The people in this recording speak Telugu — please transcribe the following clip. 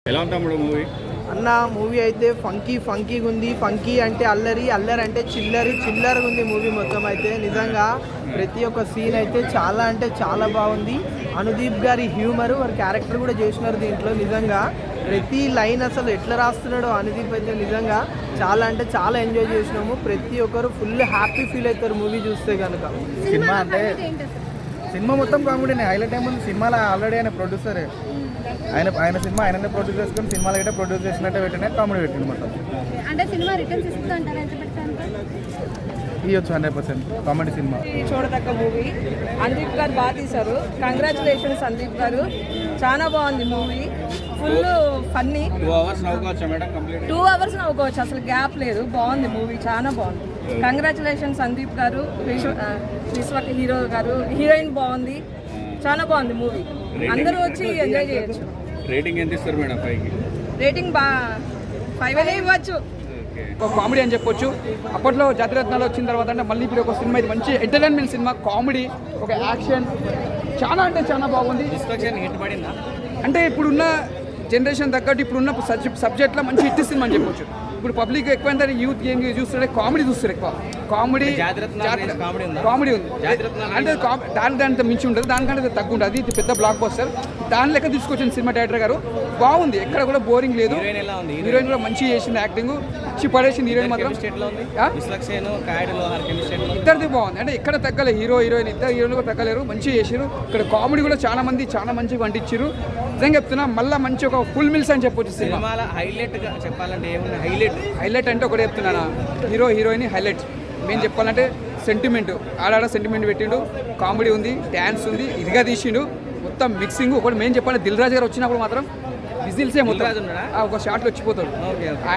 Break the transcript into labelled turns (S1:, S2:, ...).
S1: ఎలా ఉంటాడు మూవీ
S2: అన్న మూవీ అయితే ఫంకీగా ఉంది. ఫంకీ అంటే అల్లరి అంటే చిల్లరగా ఉంది మూవీ మొత్తం అయితే. నిజంగా ప్రతి ఒక్క సీన్ అయితే చాలా అంటే చాలా బాగుంది. అనుదీప్ గారి హ్యూమర్ వారి క్యారెక్టర్ కూడా చేసినారు దీంట్లో. నిజంగా ప్రతి లైన్ అసలు ఎట్లా రాస్తున్నాడో అనుదీప్ అయితే నిజంగా చాలా అంటే చాలా ఎంజాయ్ చేసినాము. ప్రతి ఒక్కరు ఫుల్ హ్యాపీ ఫీల్ అవుతారు మూవీ చూస్తే కనుక.
S3: సినిమా అంటే సినిమా మొత్తం కామెడీనే. హైలైట్ ఏముంది సినిమాలో ఆల్రెడీ ఆయన ప్రొడ్యూసరే. ఆయన సినిమా ఆయననే ప్రొడ్యూస్ చేసుకుని సినిమాలు అయితే ప్రొడ్యూస్ చేసినట్టే పెట్టిన కామెడీ పెట్టింది మొత్తం.
S4: అంటే సినిమా రిటర్న్స్ ఇస్తుందా అంటారా? ఎంత పెడతాను
S3: ఇవ్వచ్చు 100% కామెడీ సినిమా.
S5: చూడదగ్గ మూవీ. సందీప్ గారు బాగా తీశారు. కంగ్రాచులేషన్స్ సందీప్ గారు, చాలా బాగుంది మూవీ. Full funny.
S1: 2 hours నవ్వుకోవచ్చా మేడం? కంప్లీట్
S5: 2 hours నవ్వుకోవచ్చు, అసలు గ్యాప్ లేదు. బాగుంది మూవీ, చాలా బాగుంది. కంగ్రాచులేషన్స్ సందీప్ గారు, విశ్వక్ హీరో గారు, హీరోయిన్ బాగుంది, చాలా బాగుంది మూవీ. అందరూ వచ్చి ఎంజాయ్ చేయొచ్చు.
S1: రేటింగ్ ఎంత ఇస్తారు మేడం? 5కి
S5: రేటింగ్ 5 అనే ఇవ్వచ్చు.
S6: ఒక కామెడీ అని చెప్పొచ్చు. అప్పట్లో జాతిరత్నాలు వచ్చిన తర్వాత అంటే మళ్ళీ ఇప్పుడు ఒక సినిమా, ఇది మంచి ఎంటర్టైన్మెంట్ సినిమా, కామెడీ, ఒక యాక్షన్, చాలా అంటే చాలా బాగుంది.
S1: హిట్ పడిందా?
S6: అంటే ఇప్పుడున్న జనరేషన్ తగ్గట్టు ఇప్పుడున్న సబ్జెక్ట్లో మంచి హిట్ సినిమా అని చెప్పొచ్చు. ఇప్పుడు పబ్లిక్ ఎక్కువ ఏంటంటే యూత్ ఏం చూస్తుంటే కామెడీ చూస్తారు ఎక్కువ. కామెడీ ఉంది అంటే దానికంటే మించి ఉంటుంది, దానికంటే తగ్గు ఉంటుంది. ఇది పెద్ద బ్లాక్ బస్టర్. దాని లెక్క తీసుకొచ్చిన సినిమా డైరెక్టర్ గారు బాగుంది, ఎక్కడ కూడా బోరింగ్ లేదు. హీరోయిన్ కూడా మంచిగా చేసింది, యాక్టింగ్ ఇచ్చి పడేసింది. హీరోయిన్ మాత్రం ఇద్దరిది బాగుంది. అంటే ఎక్కడ తగ్గలేదు, హీరోయిన్ ఇద్దరు హీరోయిన్ కూడా తగ్గలేరు, మంచిగా చేసారు. ఇక్కడ కామెడీ కూడా చాలా మంది చాలా మంచిగా వంటించారు. నిజంగా చెప్తున్నా, మళ్ళీ మంచి ఒక ఫుల్ మిల్స్ అని చెప్పొచ్చు సినిమా. హైలైట్ అంటే ఒకటి చెప్తున్నాను, హీరోయిన్ హైలైట్. మేము చెప్పాలంటే సెంటిమెంట్, ఆడాడ సెంటిమెంట్ పెట్టిండు, కామెడీ ఉంది, డ్యాన్స్ ఉంది, ఇదిగా తీసిండు, మొత్తం మిక్సింగ్. ఒకటి మేము చెప్పాలంటే దిల్ రాజు గారు వచ్చినప్పుడు మాత్రం విజిల్సే మొత్తం ఒక షాట్లో వచ్చిపోతాడు.